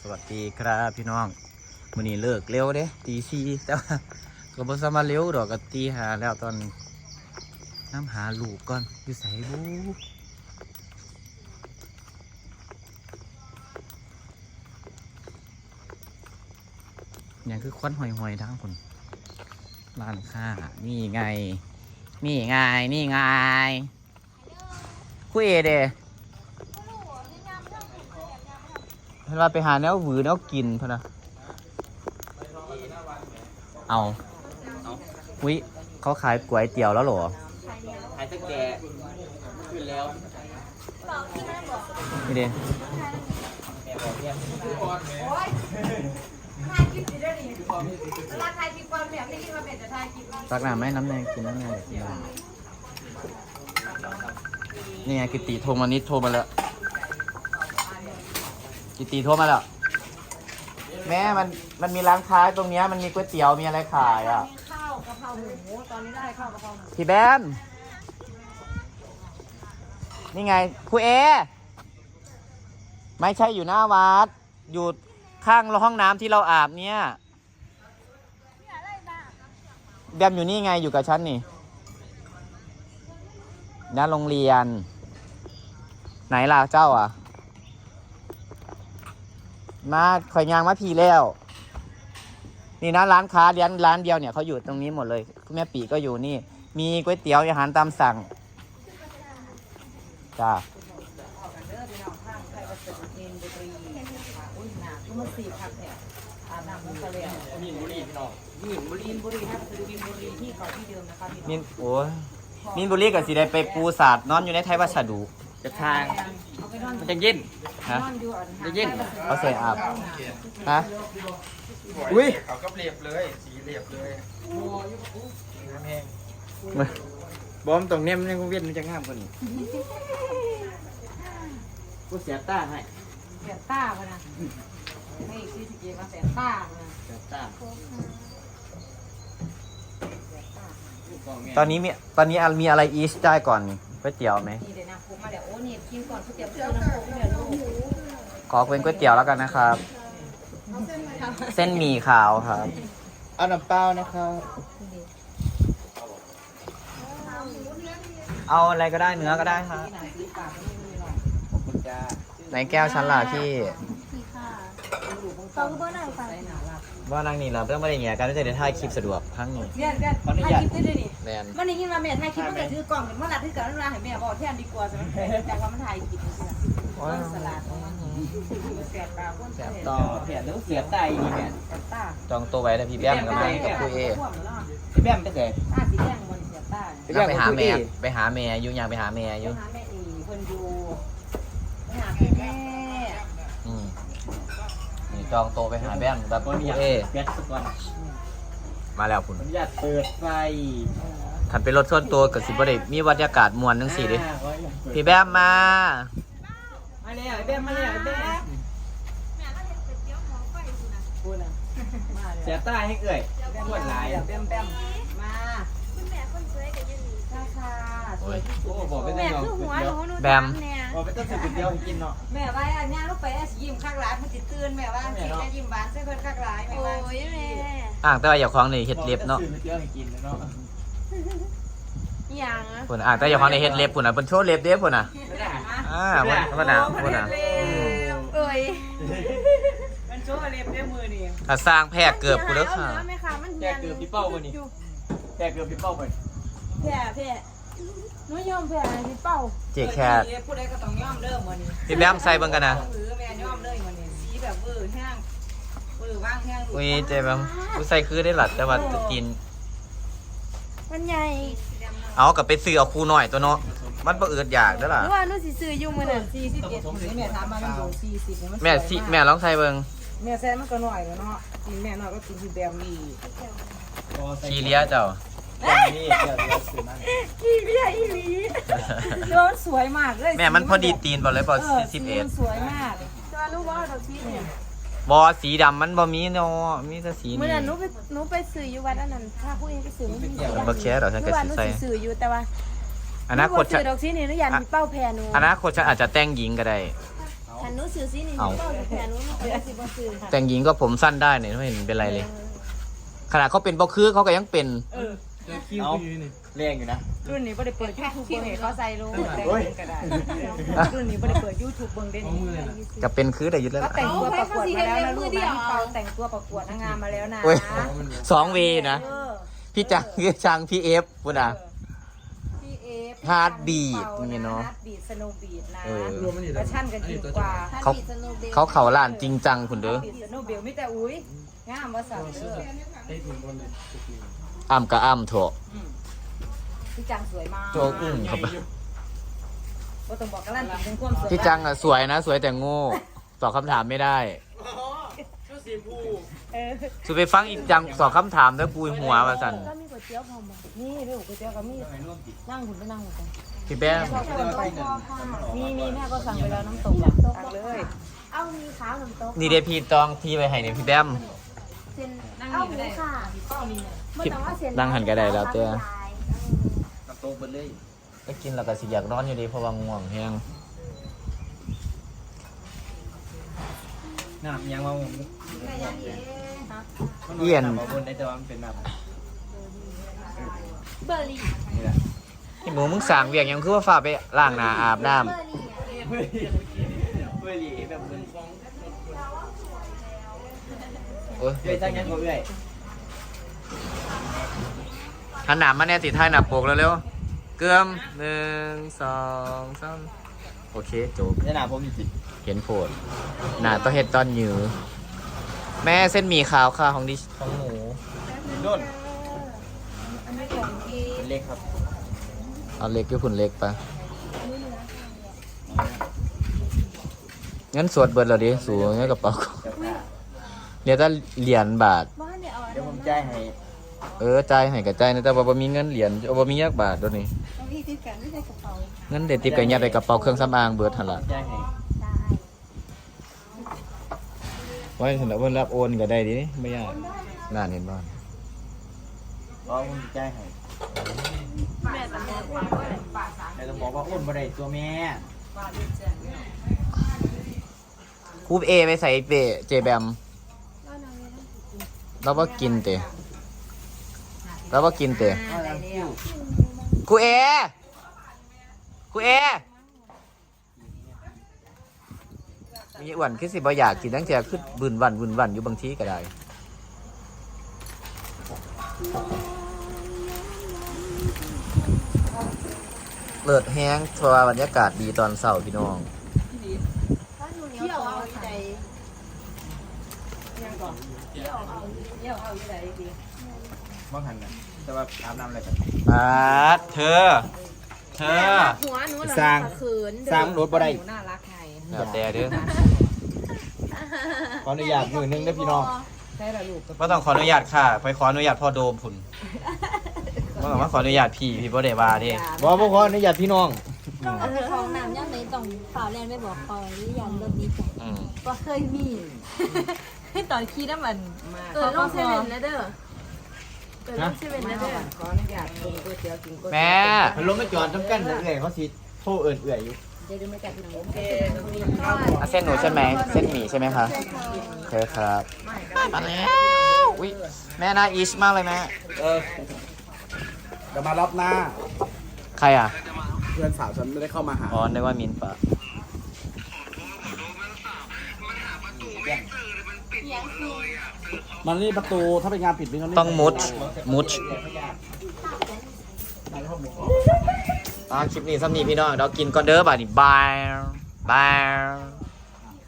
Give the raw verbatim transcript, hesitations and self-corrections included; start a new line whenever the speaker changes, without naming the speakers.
วัสดีครับพี่น้องวันนี้เลิกเร็วเด้ตีสี่แต่ว่าก็บ่สามารถเร็วดอกก็ตีหาแล้วตอนนี้น้ำหาลูกก่อนอยู่ใส่บูอย่างคือควันหอยๆทั้งคนร้านค้านี่ไงนี่ไงนี่ไงคุยเอเดเวลาไปหาแนวหวือแนวกินพะนะเอาอุ้ยเขาขายก๋วยเตี๋ยวแล้วเหรอขายตะแกรงขึ้นแล้วนี่เด้ตักน้ำไหมน้ำแดงกินน้ำแดงกินน้ำนี่ไงกิติโทรมานิดโทรมาแล้วกิติโทรมาแล้วแม่มันมันมีร้านค้าตรงนี้มันมีก๋วยเตี๋ยวมีอะไรขายอ่ะ
ข้าวกะเพราหมูตอนนี้ได้ข้าวกะเพราหมู
พี่แบมนี่ไงครูเอไม่ใช่อยู่หน้าวัดอยู่ข้างห้องน้ำที่เราอาบเนี่ยแบมอยู่นี่ไงอยู่กับฉันนี่หน้าโรงเรียนไหนล่ะเจ้าอ่ะมาข่อยยางมาพีแล้วนี่นะร้านค้าร้านร้านเดียวเนี่ยเขาอยู่ตรงนี้หมดเลยคุณแม่ปีก็อยู่นี่มีก๋วยเตี๋ยวอาหารตามสั่งจ้ามีนบุรีพี่น้องมีนบุรีบุรีนะคือมีนบุรีที่เก่าที่เดิมนะคะมีนโอ้ยมีนบุรีกับสีได้ไปปูศาสตร์นอนอยู่ในไทยวัสดุจะทางมันจะเย็นฮะจะเย็นเขาใส่อาบฮะอุ้ยเขาก็เรียบเลยสีเรียบเลยน้ำแห้งบอมตรงเนี้ยมันยังเวียนมันจะงามกว่านี้กูเสียต้าให้
เสียต้าพนะให้ซีสเกมาเสียต้าพนะ
เสียต้าตอนนี้มีตอนนี้มีอะไรอีสได้ก่อนก๋วยเตี๋ยวไหม
นี่เดี๋ยวนะผมมาเดี๋ยวโอ้นี่กินก่อนก๋วยเตี๋ยวเตี๋ยวน้ำโค้กเดี๋ยวลูก
ขอเป็นก๋วยเตี๋ยวแล้วกันนะครับเส้นหมี่ขาวครับเอาน้ำเปล่านะครับเอาอะไรก็ได้เนื้อก็ได้ครับไหนแก้วชั้นล่ะพี่
เขาคือบ้านไหนไป
ว่านางนี่เราต้องไม่ได้เงี้ยกันไม่ใช่เดี๋ยวถ่ายคลิปสะดวกทั้งนี้
เรียนกันถ่ายคลิปได้ด้วยนี่
แมน
วันนี้ยินมาแม่ถ่ายคลิปมันก็ถือกล่องเมื่อไหร่ที่เกิดเรื่องราวให้แม่บอกแทนดีกว่าจะไม่แต่ว่ามันถ่ายคลิปต้นสลัดเสียตาต้นเสีย
ต่อเสียแล้วเสียใจนี่แม่จองตัวไว้แต่พี่แบมกับแม่กับคุยเอพี่แบมไปไหน
ตาสีแดงมันเสียตา
ไปหาแม่ไปหาแม่ยุ่งยากไปหาแม่ยุ่ง
หาแม่อีเพิ่นอยู่ไปหาแม่
อืมนี่จองโตไปหาแบมแบบคุยเอมาแล้วคุณ
อยากเปิดไฟ
ขันเป็นรถส่วนตัวกับสิบวันมีบรรยากาศมวลทั้งสี่ดิพี่แบมมา
มาแล้วไอ้แบมมาแล้วไอ้แบม
เสียตาให้เอ่ยปวดหลาย
แบมแบมมาคุณแม่คนสวยกับยืนนี่ค่ะค่ะ
โอ้บอกไปแม่คือหัวหนูหนู
แบม
บอกไปต้องสุดเดียวกินเนาะ
แม่ว่าอันนี้ลูกไปยิ้มข้างร้านมันจิตื่นแม่ว่าสิจะยิ้มหวานใส่เพิ่นข้างร้านแม่ว่าโอ้ยแม่
อ่างแต่ว่าอย่าคล้องในเฮ็ดเล็บเนาะ
อย่าง
ปุ่นอ่างแต่อย่าคล้องในเฮ็ดเล็บปุ่นอ่ะเป็นโชว์เล็บเด้ปุ่นอ่ะอ่าปุ่นปุ่นอ่ะปุ่นอ่ะ
เอ้ยมันโชว์เล็บด้วยมือนี่
ถ้าสร้างแพร่เกือบกูเลิกค่ะ
แพร่เกือบพี่เป้าบ่นี่แพร่เกือบพี่เป้าบ่
แพร่แพร่หนูยอมแพร่พี่เป้า
เจ๊แคท
พูดได้ก็ต้องยอมเด้อมื้อนี้
พี่แบมใส่เบิ่งกันนะ
หรือแม่ยอมเลยมื้อนี้สีแบบเวอร์แห้งเวอร์ว่างแห้ง
อุ้ยเจ๊แบมกูใส่คือได้หลัดแต่ว่าจะกิน
มันใหญ่
เอากับไปซื้อเอาคู่หน่อยตัวเนาะมันบ่อืดอยากเด้อล่ะ
หรือว่าหนูสิซื้ออยู่มื้อนั้นสี่สิบเอ็ดแม่ถามมามันอยู่สี่สิบ
แม่สิแม่ลองใส่เบิ่ง
แม่แซ่มันก็น้อยเนาะกินแม่น้อยก็กินที่แบมนี่
ขี้เลี้ยเจ้า
นี่เดี๋ยวเดี๋ยวซื้อมา
ขี้เลี้ยอีหลีโดนสวยมากเลย
แม่มันพอดีตีนบ่เลยบ่สิบเอ็ด
สวยมากจะรู้ว่าดอกชีเนี่ย
บ่สีดำมันบ่มีเนาะมีแต่สีนี้
เมื่อนั้นหนูไปหนูไปซื้ออยู่วัดอันนั้นถ้าผู้เองไปซื้อมันมี
บ่แค่ดอกฉันก็สิใส่
ซื้ออยู่แต่ว่า
อนาคต
ซื้อดอกชีนี่หนูอยากมีเป้าแพรหนู
อนาคตฉันอาจจะแต่งหญิงก็ได้
ฉันรู้สื่อสินี่ก็แค่รู้มันก็สิบ่สื่อค่ะ
แต่งหญิงก็ผมสั้นได้เนี่ยไม่เห็นเป็นไรเลย ขนาดเขาเป็นบล็อกคือเขาก็ยังเป็น
เออ
เอาแรงอยู่นะ
รุ่นนี้บ่ได้เปิด YouTube เบิ่งให้เขาใส่รู้แต่
โอ้ย
ก็ได้รุ่นนี้บ่ได้เปิด YouTube เบิ่งได้นี่
ก็เป็นคือได้ยุดแล้ว
ก็
ล่ะ
แต่งตัวประกวดมาแล้วนะลูกนะเปาแต่งตัวประกวดนางงามมาแล้วนะ
โอ้ยสองเวนะ
เออ
พี่จังพี่จังพี่เอฟพูดนะ
พี่เอฟ
Heartbeat นี่เนาะ
ฮาร์ดบีทสโนว์บีทนะ
เออ
ประชันกันจริงกว่า
เขาเขาเขาล้านจริงจังคุณเด้อ
บีทสโนว์บีทมีแต่อุ้ยงามว่าสั่งเด้อ
อ้ำกับอ้ำเถอะ
พี่จังสวยมาก
โจอึ้งเขาไป
ก็ต้องบอกกันลั่นถึงความสวย
พี่จังอ่ะสวยนะ สวยแต่โง่ตอบคำถามไม่ได้
เออ
สุดไปฟังอีกจังตอบคำถามแล้วปุยหัวมาสั่น
ก็มีก๋วยเตี๋ยวพร้อมบ่
นี่เรื่องก๋วยเตี๋ยวกับมีนั่งหุ่นไปนั่งหุ่นไป
พี่แป้ง
มีมีแม่ก็สั่งไปแล้วน้ำตกอ่ะสั่งเลย
เอามีขาวน้ำตก
นี่เดพี่ตองที่ไปให้เนี่ยพี่แบม
เส้นเอาหมูค่ะบ่ต้องว่าเส้น
นั่งหันก็ได้แล้วเจ้า
น้ำตกเบิดเลย
ก็กินแล้วก็สิอยากนอนอยู่ดีเพราะว่าง่วงแห้ง
น้ำยังว่าผม
เอียน
มาบนได้แต่ว่ามันเป็นน้ำ
เบอร์รี่
นี่แหละ
ไอ้หมูมึงสั่งเวียงยังคือว่าฝ่าไปล้างหน้าอาบน้
เบอร์รี่อะ
เฮ้ยเฮ้ยแบบมึง
ำโอ้ย
เฮ้ยตั้งยังก็เฮ้ย
หันหนามาแน่ติดท้ายหน้าปกแล้วเร็วเกลือมหนึ่งสองสามโอเคจบ
นี่หนาผมจริง
เห็นโผดหน้าต้องเห็ดตอนหยือแม่เส้นหมี่ขาวค่ะของดิของหมู
โดนเล็กครับ
เอาเล็กด้วยผุนเล็กปะงั้นสวดเบิดเหรอดิสูงงั้นกระเป๋าเดี๋ยวจะเหรียญบาท
บ้านเนี่ยเอาอัน
เดี๋ยว
นั้
ผ
น
มจ่ายให้
เออจ่ายให้กับจ่ายนะแต่ว่าบ่มีเงินเหรียญเอาบ่มียักบาทตัวนี้
เอาพี่ติดกันไม่ใช่กระเป๋า
เงินเด็ดติดกับยัดในกระเป๋าเครื่องสำอางเบิดหั่นล่ะ
จ่ายให้
ได้
ไว้สำหรับเพิ่นรับโอนก็ได้ดิไม่ยากน่าเห็นบ่
เพราะผมจ่ายให้
แม่ตำแหน่งว่า
แต่ต้องบอกว่าอ้วนบ่ได้ตัวแม่
คูปเอไปใส่เปเจแบม
ก็นอนไม่ได้
เราบ่กินเตะเราบ่กินเตะ
ได้แล้ว
ครูเอครูเอมีอ้วนคือสิบ่อยากกินตั้งแต่คือบึนวันบึนวันอยู่บางทีก็ได้เลิศแห้งเพราะว่าบรรยากาศดีตอนเช้าพี่น้อง
ถ้าหนูเหนียวเอาใจ
ยังก่อนเที่ยวเอาเที่ยวเอาอยู่ไหนดี
บ้างหันนะแต่ว่าอาบน้ำอะไรกัน
มาดเธอ เธอ
หัวหนูเหรอ
สร้าง
ขืน
สร้างรถบ่ได้
หนูน่ารักไง
แล้วแต่เด้อ
ขออนุญาตมือนึงนะพี่น้อง
ใช่ละลูก
บ่ต้องขออนุญาตค่ะ ไปขออนุญาตพ่อโดมพุ่นบ่ต้องมาขออนุญาตพี่ พี่บ่ได้ว่าเด้
บอกว่าขออนุญาตพี่น้อง
ต้องเอาไปเข้าห้องน้ำย่ำไหนต้องฝ่าแลนไม่บอกคอยหรือยันรถนี้จ้ะ
อืม
ก็เคยมีให้ตอนขี้น้ำมัน
มา
เออลงเซเว่นแล้วเด้อเออลงเซเว่นแล้วเด้อ
ขออนุญาตกินก๋วยเตี๋ยวกินก๋วยเตี๋ยว
แม่
มันลงไม่จอดจำกันเอื่อยเขาสิโทษเอื่อยเอื่อยอยู่
เดี๋ยวดูไม่กัดพี่น้องโอเค
อ่ะเส้นหนูใช่ไหม เส้นหมี่ใช่ไหมคะโอเคครับมาแล้วอุ้ยแม่น่าอิชมากเลยแม่
เออจะมารับหน้า
ใครอ่ะ
เพื่อนสาวฉันไม่ได้เข้ามาหา
อ๋อนึกว่ามินปะ
มันนี่ประตูถ้าเป็นงานผิดนี่เขานี่
ต้องมุด มุดอ่าคลิปนี้ซ้ำนี้พี่น้องเรากินก่อนเด้อบ่านี่บายบาย